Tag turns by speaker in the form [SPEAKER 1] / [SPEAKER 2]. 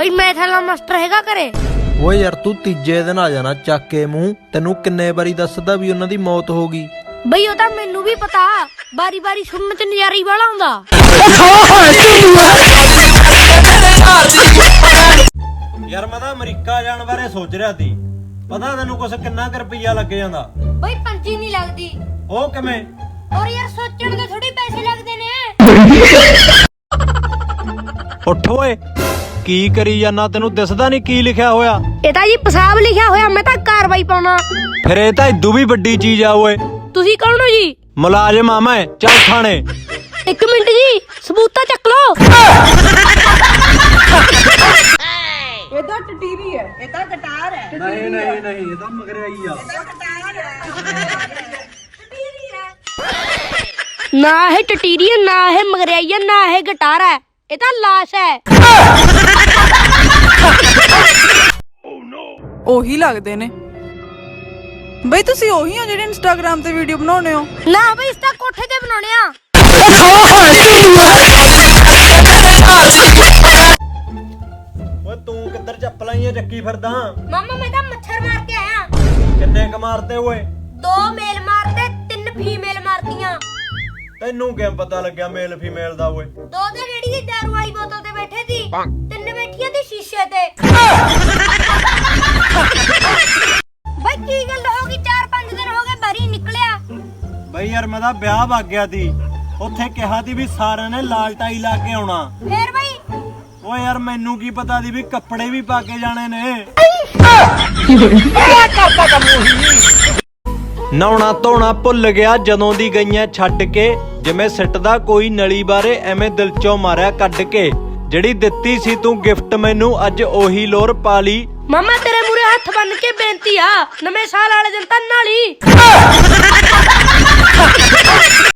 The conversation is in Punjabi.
[SPEAKER 1] ਬਈ ਮੈਥ ਵਾਲਾ ਮਾਸਟਰ ਹੈਗਾ ਘਰੇ?
[SPEAKER 2] ਓਏ ਯਾਰ ਤੂੰ ਤੀਜੇ ਦਿਨ ਆ ਜਾਣਾ ਚੱਕ ਕੇ ਮੂੰਹ। ਤੈਨੂੰ ਕਿੰਨੇ ਵਾਰੀ ਦੱਸਦਾ ਵੀ ਉਹਨਾਂ ਦੀ ਮੌਤ ਹੋ ਗਈ।
[SPEAKER 1] ਬਈ ਉਹ ਤਾਂ ਮੈਨੂੰ ਵੀ ਪਤਾ, ਬਾਰੀ ਬਾਰੀ ਸੁਣਨ ਚ ਨਜ਼ਾਰੀ ਵਾਲਾ ਹੁੰਦਾ।
[SPEAKER 2] ਯਾਰ ਮੈਂ ਤਾਂ ਅਮਰੀਕਾ ਜਾਣ ਬਾਰੇ ਸੋਚ ਰਿਹਾ ਸੀ। ਪਤਾ ਤੈਨੂੰ ਕੁਛ ਕਿੰਨਾ ਕੁ ਰੁਪਈਆ ਲੱਗ ਜਾਂਦਾ?
[SPEAKER 1] ਬਈ ਪੰਜੀ ਨਹੀਂ ਲੱਗਦੀ।
[SPEAKER 2] ਉਹ ਕਿਵੇਂ?
[SPEAKER 1] ਔਰ ਯਾਰ ਸੋਚਣ ਦੇ ਥੋੜੀ ਪੈਸੇ ਲੱਗਦੇ ਨੇ।
[SPEAKER 2] ਉੱਠ ਓਏ, ਕੀ ਕਰੀ ਜਾਨਾ? ਤੈਨੂੰ ਦਿਸਦਾ ਨਹੀਂ ਕੀ ਲਿਖਿਆ ਹੋਇਆ?
[SPEAKER 1] ਇਹ ਤਾਂ ਜੀ ਪਿਸ਼ਾਬ ਲਿਖਿਆ ਹੋਇਆ, ਮੈਂ ਤਾਂ ਕਾਰਵਾਈ ਪਾਉਣਾ।
[SPEAKER 2] ਫਿਰ ਇਹ ਤਾਂ ਇਦੂ ਵੀ ਵੱਡੀ ਚੀਜ਼ ਆ ਓਏ।
[SPEAKER 1] ਤੁਸੀਂ ਕੌਣ ਹੋ ਜੀ?
[SPEAKER 2] ਮੁਲਾਜ਼ਮ ਆ ਮੈਂ, ਚੱਲ ਥਾਣੇ।
[SPEAKER 1] ਇੱਕ ਮਿੰਟ ਜੀ, ਸਬੂਤਾ ਚੱਕ ਲੋ।
[SPEAKER 3] ਇਹ ਤਾਂ ਟਟੀਰੀ ਹੈ, ਇਹ ਤਾਂ ਗਟਾਰ ਹੈ।
[SPEAKER 2] ਨਹੀਂ ਨਹੀਂ ਨਹੀਂ, ਇਹ ਤਾਂ ਮਗਰਿਆਈ ਆ।
[SPEAKER 1] ਨਾ ਇਹ ਟਟੀਰੀ ਹੈ, ਨਾ ਇਹ ਮਗਰਿਆਈ ਹੈ, ਨਾ ਇਹ ਗਟਾਰ ਹੈ, ਇਹ ਤਾਂ ਲਾਸ਼ ਹੈ।
[SPEAKER 3] ਉਹੀ ਲੱਗਦੇ ਨੇ ਬਈ। ਤੁਸੀਂ ਉਹੀ ਹੋ ਜਿਹੜੇ ਇੰਸਟਾਗ੍ਰਾਮ ਤੇ ਵੀਡੀਓ ਬਣਾਉਣੇ ਹੋ?
[SPEAKER 1] ਨਾ ਬਈ ਇਸ ਤਾਂ ਕੋਠੇ ਤੇ ਬਣਾਉਣੇ ਆ।
[SPEAKER 2] ਓਏ ਤੂੰ ਕਿੱਧਰ ਚੱਪਲਾਂ ਹੀ ਚੱਕੀ ਫਿਰਦਾ?
[SPEAKER 1] ਮਾਮਾ ਮੈਂ ਤਾਂ ਮੱਛਰ ਮਾਰ ਕੇ ਆਇਆ।
[SPEAKER 2] ਕਿੰਨੇ ਕ ਮਾਰਤੇ ਓਏ?
[SPEAKER 1] 2 ਮੇਲ ਮਾਰਤੇ, 3 ਫੀਮੇਲ ਮਾਰਤੀਆਂ।
[SPEAKER 2] ਤੈਨੂੰ ਕਿਵੇਂ ਪਤਾ ਲੱਗਿਆ ਮੇਲ ਫੀਮੇਲ ਦਾ ਓਏ?
[SPEAKER 1] 2 ਤਾਂ ਰੇੜੀ ਦੀ ਦਾਰੂ ਵਾਲੀ ਬੋਤਲ ਤੇ ਬੈਠੇ ਸੀ, 3 ਬੈਠੀਆਂ ਤੇ ਸ਼ੀਸ਼ੇ ਤੇ। ਬਈ ਕੀ ਗੱਲ ਹੋ ਗਈ? 4-5 ਦਿਨ ਹੋ ਗਏ ਬਾਰੀ ਨਿਕਲਿਆ।
[SPEAKER 2] ਬਈ ਯਾਰ ਮੈਂ ਤਾਂ ਵਿਆਹ ਵਗ ਗਿਆ ਸੀ, ਉੱਥੇ ਕਿਹਾ ਸੀ ਵੀ ਸਾਰਿਆਂ ਨੇ ਲਾਲ ਟਾਈ ਲਾ ਕੇ ਆਉਣਾ।
[SPEAKER 1] ਫੇਰ ਬਈ?
[SPEAKER 2] ਓਏ ਯਾਰ ਮੈਨੂੰ ਕੀ ਪਤਾ ਸੀ ਵੀ ਕੱਪੜੇ ਵੀ ਪਾ ਕੇ ਜਾਣੇ ਨੇ। ਨਹਾਉਣਾ ਧੋਣਾ ਭੁੱਲ ਗਿਆ ਜਦੋਂ ਦੀ ਗਈਆਂ ਛੱਡ ਕੇ, ਜਿਵੇਂ ਸਿੱਟਦਾ ਕੋਈ ਨਲੀ ਬਾਰੇ ਐਵੇਂ ਦਿਲ ਚੋਂ ਮਾਰਿਆ ਕੱਢ ਕੇ। ਜਿਹੜੀ ਦਿੱਤੀ ਸੀ ਤੂੰ ਗਿਫਟ ਮੈਨੂੰ, ਅੱਜ ਉਹੀ ਲੋਰ ਪਾ ਲਈ।
[SPEAKER 1] ਮਾਮਾ ਤੇਰੇ ਮੂਰੇ ਹੱਥ ਬੰਨ ਕੇ ਬੇਨਤੀ ਆ, ਨਵੇਂ ਸਾਲ ਵਾਲੇ ਦਿਨ ਤਾਂ ਨਾਲੀ।